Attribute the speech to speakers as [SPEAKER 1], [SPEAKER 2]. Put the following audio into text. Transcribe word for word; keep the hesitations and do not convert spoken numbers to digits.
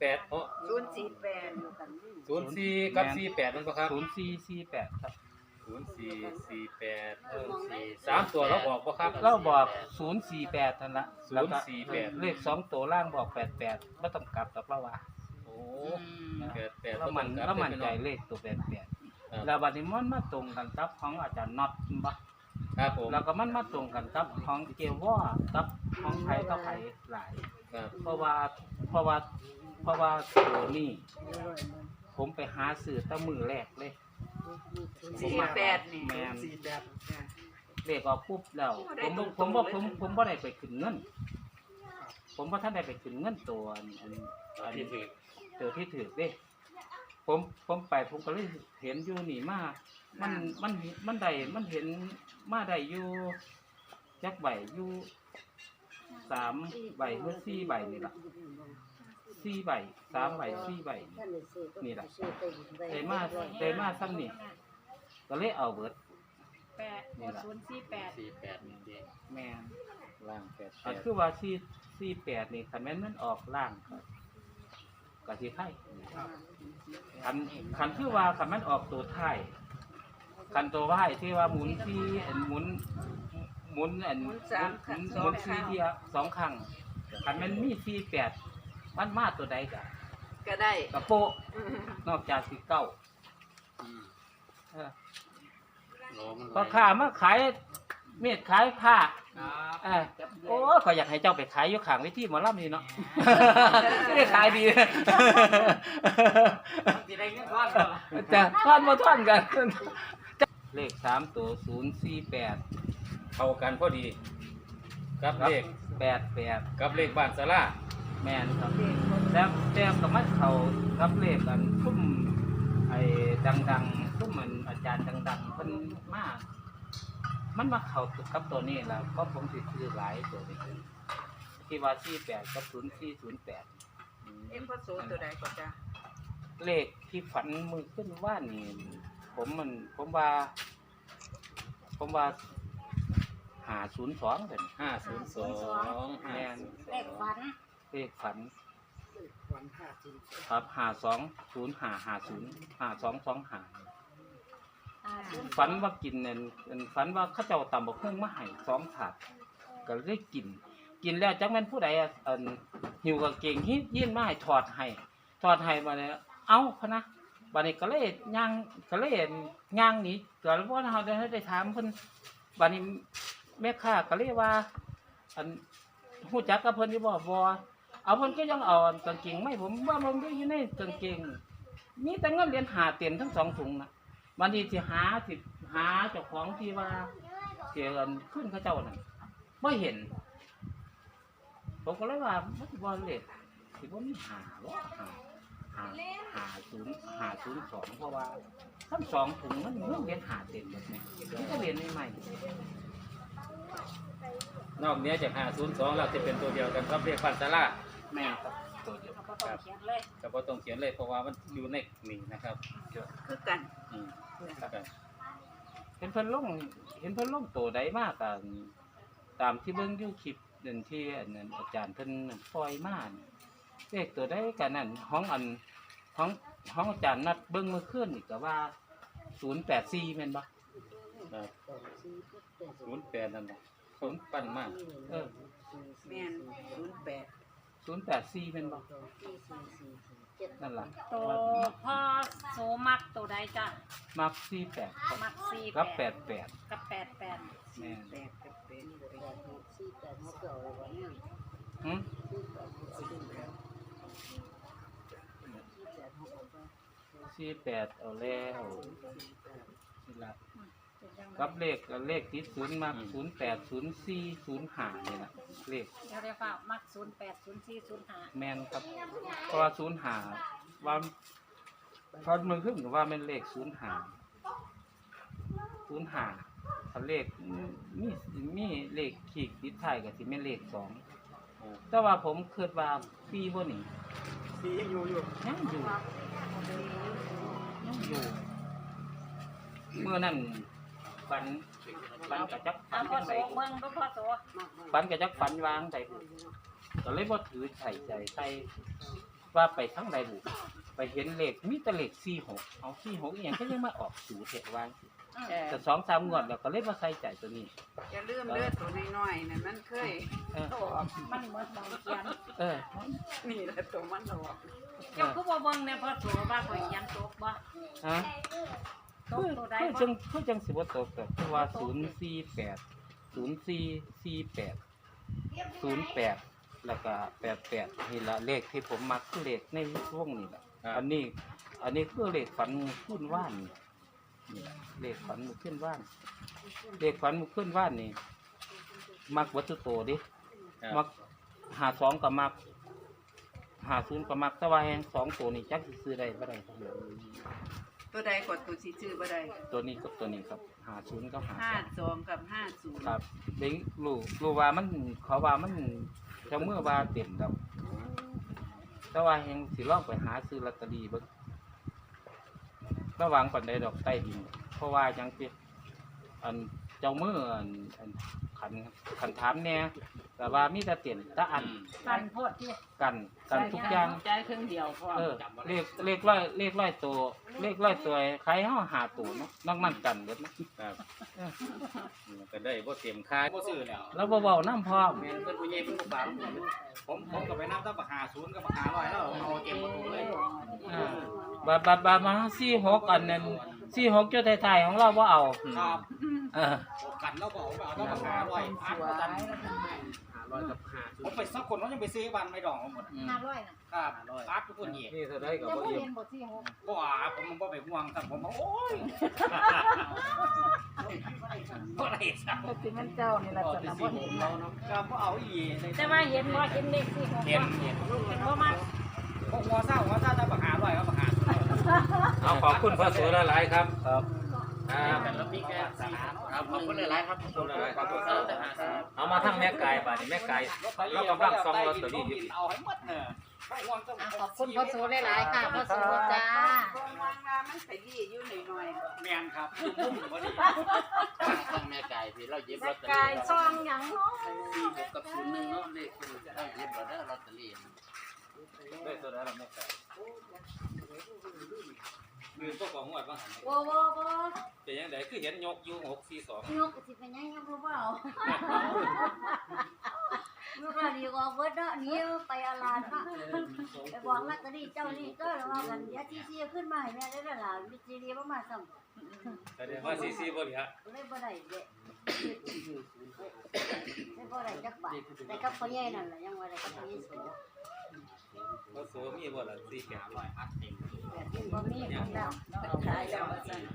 [SPEAKER 1] ปดโอ้
[SPEAKER 2] ศูนย์สี่แปด
[SPEAKER 1] ศูนย์สี่กับสี่แปดนั่นปะครับ
[SPEAKER 3] ศูนย์สี่สี่แปดครับ
[SPEAKER 1] ศูนย์สี่สี่แปดเออสี่สามตัวเราบอกปะครับ
[SPEAKER 3] เราบอกศูนย์สี่แปดนั่นละ
[SPEAKER 1] ศูนย์สี่แปด
[SPEAKER 3] เลขสองตัวล่างบอกแปดแปดไม่ต้องกลับดอกเราว่า
[SPEAKER 1] โอ้แปดแปด
[SPEAKER 3] เรามันเรามันใจเลขตัวแปดแปดแล้วบัดนี้มันมาตรงกันกับของอาจารย์น็อตบ่
[SPEAKER 1] ครับผม
[SPEAKER 3] แล้วก็มันมาตรงกันกับของเกวอกับของไผกับไผหลาย
[SPEAKER 1] ครับ
[SPEAKER 3] เพราะว่าเพราะว่าเพราะว่าตัวนี้ผมไปหาซื้อตั้งมือแรกเลย
[SPEAKER 2] สี่แปดนี่
[SPEAKER 3] แมน
[SPEAKER 4] สี่แปด
[SPEAKER 3] เลขออกปุ๊บแล้วผมบ่ผมบ่ผมผมบ่ได้ไปขึ้นเงิน ผมบ่ทันได้ไปขึ้นเงินตัวอันอันอัน
[SPEAKER 1] ที่ถือ
[SPEAKER 3] ตัวที่ถือเด้ผมผมไปผมก็เลยเห็นอยู่นี่มามันมันมันได้มันเห็นมาได้อยู่จักใบอยู่สามใบหรือสี่ใบนี่ล่ะสี่ใบสามใบสี่ใบนี่ล่ะได้มาได้มาซ้ำนี่ก็เลยเอาเบิด
[SPEAKER 5] แปดศูนย์สี่แปด
[SPEAKER 1] สี่แปดนี่เอง
[SPEAKER 3] แม่น
[SPEAKER 1] ล่างแปดแป
[SPEAKER 3] อัน
[SPEAKER 1] ด
[SPEAKER 3] คือว่าสี่สี่แปดนี่คันแม่นมันออกล่างก็ก็สิไทยคันคันคือว่าคันมันออกตัวไทยคันตัวไหวที่ว่าหมุนที่อันหมุนหมุนอันหมุนหมุนสี่เทียสองครั้งคันมันมีสี่แปดมันมาตัวใดกะ
[SPEAKER 2] ก็ได้
[SPEAKER 3] กระโปะนอกจากสิเก้าเออ
[SPEAKER 1] โลมัน
[SPEAKER 3] พอข้ามาขายเม็ดขายผ้าเออโอ้ขอยอยากให้เจ้าไปขายอยู่ข้างเวทีหมอลำนี่เนาะ ได้ขายดี
[SPEAKER 4] จะได้เงินก้อน
[SPEAKER 3] จะท่อนมาท่อนกัน เลขสามตัวศูนย์สี่แปด
[SPEAKER 1] เข้ากันพอดีกับเลข
[SPEAKER 3] แปดแปด
[SPEAKER 1] กับเลขบ้านสารา
[SPEAKER 3] แมนครับแล้วแต้มกับมัดเขากับเลขกันทุ่มไอ้ดังๆทุ่มเหมือนอาจารย์ดังๆเพิ่นมาก มันมาเข้ากับตัวนี้แล้วก็ผมสิซื้อหลายตัวนี้ที่ว่าสี่แปดกับศูนย์สี่ศูนย์แปด
[SPEAKER 2] เอ็มพ่อโสตัวใดก็จ้ะ
[SPEAKER 3] เลขที่ฝันมือขึ้นว่านี่ผมมันผมว่า ผมว่าหาศูนย์สองเป็น
[SPEAKER 1] ห้าศูนย์สอง
[SPEAKER 3] แมน
[SPEAKER 5] เลขฝัน
[SPEAKER 3] เลขฝัน
[SPEAKER 4] วันห้าจริง
[SPEAKER 3] ครับหาสองศูนย์หาหาศูนย์หาสองสองหา
[SPEAKER 5] อ่าศูนย์
[SPEAKER 3] ฝันว่ากินเนี่ยฝันว่าเข้าเจ้าตำบักหุ่งมาให้สองถาดก็เลยกิน กินแล้วจักแม่นผู้ใดอ่ะอันหิวกางเกงฮิยื่นมาให้ถอดให้ถอดให้มาเนี่ยเอ้าพะนะบัดนี้ก็เลยย่างก็เลยย่างหนีก็ว่าเฮาได้ได้ถามเพิ่นบัดนี้แม่ค้าก็เลยว่า อันฮู้จักกับเพิ่นอยู่บ่บ่เอาเพิ่นก็ยังเอากางเกงไม่ผมว่ามันก็อยู่ในกางเกงมีแต่เงินเหรียญหาเต็มทั้งสองถุงนะวันนี้สิหาสิหาเจ้าของที่ว่าเสียเงินขึ้นเขาเจ้านั่นบ่เห็นผมก็เลยว่ามันบ่เลขสิบ่มีหาบ่หาหาหาศูนย์หาศูนย์สองเพราะว่าทั้งสองถุงมันเงินเหรียญหาเต็มหมดเนี่ยนี่ก็เหรียญใหม่ๆ
[SPEAKER 1] นอกเหนี้จากห้าศูนย์สองเราจะเป็นตัวเดียวกันครับเลขบ้านสารา
[SPEAKER 3] แม่ครับตัวเดียว
[SPEAKER 5] เราก็ต้องเขียนเลย
[SPEAKER 1] ก็บ่ต้องเขียนเลยเพราะว่ามันอยู่ในนี่นะครับ
[SPEAKER 2] คือกัน
[SPEAKER 1] อืมครับ
[SPEAKER 3] เห็นเพิ่นลงเห็นเพิ่นลงตัวใดมากตามตามที่เบิ่งอยู่คลิปนั่นที่อันนั้นอาจารย์เพิ่นปล่อยมานี่เลขตัวใดกันนั่นห้องอันห้องห้องอาจารย์นัดเบิ่งเมื่อคืนนี่ก็ว่าศูนย์แปดสี่แม่นบ่
[SPEAKER 1] ครับศูนย์แปดนั่นแหละศูนย์ปั้นมาก
[SPEAKER 3] เออ
[SPEAKER 2] แม่นศูนย์แปด
[SPEAKER 3] ศูนย์แปดสี่แม่นบ่นั่นล่ะ
[SPEAKER 5] ตัวพ่อโสมักตัวใดจ้ะ
[SPEAKER 3] มักสี่แปดครับ
[SPEAKER 5] มักสี่
[SPEAKER 3] กับแปดแปด
[SPEAKER 5] กับแปดแปด
[SPEAKER 3] แม่น
[SPEAKER 2] แปดกับแปด
[SPEAKER 3] หึสี่แปดเอาแล้วนี่ล่ะ กับเลขเลขที่ศูนย์มาศูนย์แปดศูนย์สี่ศูนย์ห้านี่นะเลข
[SPEAKER 5] เดี๋ยวเรียกว่ามักศูนย์แปดศูนย์สี่ศูนย์ห้า
[SPEAKER 3] แมนครับเพราะว่าศูนย์ห้าว่าพอมือขึ้นว่าเป็นเลขศูนย์ห้าศูนย์ห้าถ้าเลขมีมีเลขขีดติดท้ายกับที่เป็นเลขสองแต่ว่าผมคิดว่าปีบ่นี่
[SPEAKER 4] สียังอยู่อยู่
[SPEAKER 3] ยังอยู่ยังอยู่เมื่อนั้นฝันฝันกับจักฝั
[SPEAKER 5] เอา
[SPEAKER 3] น
[SPEAKER 5] พ่อ
[SPEAKER 3] จัง
[SPEAKER 5] โส
[SPEAKER 3] ได
[SPEAKER 5] เบิ่งดูพ่อโส
[SPEAKER 3] ฝันกับจักฝันวางใจก็เลยบ่ถือใส่ใจใส่ว่าไปทั้งใดบุไปเห็นเลขมีแต่เลขสี่หกเอาสี่หกอหย่างก็ยังมาออกสูเทวาง
[SPEAKER 2] เออ
[SPEAKER 3] แต่สองสามงวดแล้วก็เลยมาใส่ใจตัวนี้
[SPEAKER 2] อย่าลืมเลือดตัวน้อยๆนั่นมันเคย
[SPEAKER 3] เออ
[SPEAKER 2] ออก
[SPEAKER 5] มันเหมือนบางเขียน
[SPEAKER 3] เออ
[SPEAKER 2] นี่แหละตัวมันออก
[SPEAKER 5] เจ้าคือบ่เบิ่งในพ่อโสว่าข่อยยันตกบ่
[SPEAKER 3] ฮะ
[SPEAKER 5] ต
[SPEAKER 3] คื
[SPEAKER 5] ก
[SPEAKER 3] อ
[SPEAKER 5] ตัวใด
[SPEAKER 3] คือ
[SPEAKER 5] บ่
[SPEAKER 3] จังคือจังสิบ่ตกแต่เพราะว่าศูนย์สี่แปดศูนย์สี่สี่แปดศูนย์แปดแล้วก็แปดแปดนี่ละเลขที่ผมมักคือเลขในวงนี่แหละอันนี้ อันนี้คือเลขฝันมือขึ้นว่านนี่นี่ล่ะเลขฝันมือขึ้นว่านเลขฝันมือขึ้นว่านนี่มักวัตถุโตดิมักหาสองกับมักหาศูนย์กับมักแตะวันแห่งสองตัวนี้จักสิซื้อได้บ่ได้ครับ
[SPEAKER 2] ตัวใดกดตัวสิชื่อบ่ได้
[SPEAKER 3] ตัวนี้กับตัวนี้ครับหาศูนย์กับหา
[SPEAKER 2] ห้า
[SPEAKER 3] สอง
[SPEAKER 2] สองกับห้าศูนย์
[SPEAKER 3] ครับเด็กรู้รู้ว่ามันเขาว่ามันเจะเมื่อว่าเต็มครับแต่ว่ายังสิลองไปหาซื้อลอตเตอรี่เบิ่งระวังปันใดดอกใต้ดิน เพราะว่าจังสิอันเจ้ามืออันอันขันขันถามแหน่แต่ว่ามีแต่เต็มแต่อัน
[SPEAKER 5] กันโพดที่
[SPEAKER 3] กันกันทุกอย่าง
[SPEAKER 2] ใจครึ่งเดียวพอ
[SPEAKER 3] เออเลขเลขร้อยเลขร้อยตัวเลขร้อยตัวใครเฮาหาตัวเนาะนอกมันกันเบิดเนาะ
[SPEAKER 1] ครับก็ได้บ่เต็มค่า
[SPEAKER 4] บ่ซื้อแล้ว
[SPEAKER 3] แล้วบ่เว้านํพร้อม
[SPEAKER 4] แม่นเพิ่นผู้ใหญ่เพิ่นบ่ฝากผมผมก็ไปนับตั้งปักหาศูนย์กับปักหาร้อยแล้วเอาเต็มประตูเลย
[SPEAKER 3] อ่าบาบาบามาสี่หกอันนั้นสี่หกจุดไทยๆของเราบ่เอา
[SPEAKER 4] ครับ
[SPEAKER 3] เออ
[SPEAKER 4] กันแล้วก็เอาไปเอาตั้งปักหาร้อยอัดกันหาร้อยกับหาผมไปสักคนเขายังไปซื้อบ้านไม่ดองหมด
[SPEAKER 5] ห้าร้อยน่ะ
[SPEAKER 4] ครับอัดทุกคนนี่
[SPEAKER 3] นี่เท่าไรก็
[SPEAKER 5] ยัง
[SPEAKER 3] บ่
[SPEAKER 5] บ่
[SPEAKER 3] อิ่ม
[SPEAKER 5] เห็นบ่ที่หก
[SPEAKER 4] ก็อ่าผมบ่ไปห่วงครับผมโอ้ยบ่ได้ซะ
[SPEAKER 2] ก็สิมันเจ้านี่ล่ะสนบ่เห็นเราเนาะ
[SPEAKER 4] ครับบ่เอาอีก
[SPEAKER 5] แต่ว่าเห็นบ่เห็นเลขที่หก
[SPEAKER 4] เห็น
[SPEAKER 5] บ่
[SPEAKER 4] เห็น
[SPEAKER 5] เห็นบ่มา
[SPEAKER 4] ผมหัวเศร้าหัวเศร้าตั้งปักหาร้อยกับปักหา
[SPEAKER 1] เอาขอบคุณพระโสหลายๆครับ
[SPEAKER 3] ครับ
[SPEAKER 1] ครับ
[SPEAKER 4] แล้วมีแค่สี่ครับขอบคุณหลายๆครับขอบคุณหลายๆครับ
[SPEAKER 1] เอามาทั้งแม่กายบาดนี้แม่กายเรากำลังส่องลอตเตอรี่อยู่
[SPEAKER 4] เอาให้หมดเนอะไม่ห่วงต้อง
[SPEAKER 5] อ่ะขอบคุณพ่อโสหลายๆค่ะพ่อโสจ้า
[SPEAKER 2] วางมามันไปดีอยู่หน่อยๆ
[SPEAKER 4] แมนครับมุ่งพอดี
[SPEAKER 6] ต้องแม่ไก่พี่เราหยิบล
[SPEAKER 5] แม่
[SPEAKER 6] อตเตอรี่
[SPEAKER 5] กายซองหยังเนาะ
[SPEAKER 6] สี่หกกับศูนย์หนึ่งเนาะเลขคือเราหยิบเราได้ลอตเตอรี่
[SPEAKER 1] ได้ตัวใดล่ะแม่กายมือพวกของงวดว่าหัน
[SPEAKER 7] บ่บ่บ่
[SPEAKER 1] เป็นยังไงคือเห็นยกอยู่หกสี่สอง
[SPEAKER 7] ยกสิเป็นหยังยังบ่เบาลูกเราดีกว่าเบิดเนาะหนี่ไปอาลานมาไปบอกลอตเตอรี่เจ้านี่ก็แล้วว่ากันเดี๋ยวที่ๆขึ้นมาให้แม่ได้แล้วล่ะมีซีดีบ่มาซ้ำ
[SPEAKER 1] แสดงว่าสี่สี่บ่เหลือ
[SPEAKER 7] เลยบ่ได้เด้เลยบ่ได้จักบาทแต่กับพ่อใหญ่นั่นล่ะยังว่าได้กับพ่อใหญ่สูง
[SPEAKER 1] พระโสมีบ่ล่ะสี่แปดร้อยอัดเต็ม
[SPEAKER 7] แบบนี้บ่มีของแล้ว
[SPEAKER 2] ขายแล้วว่าซั่น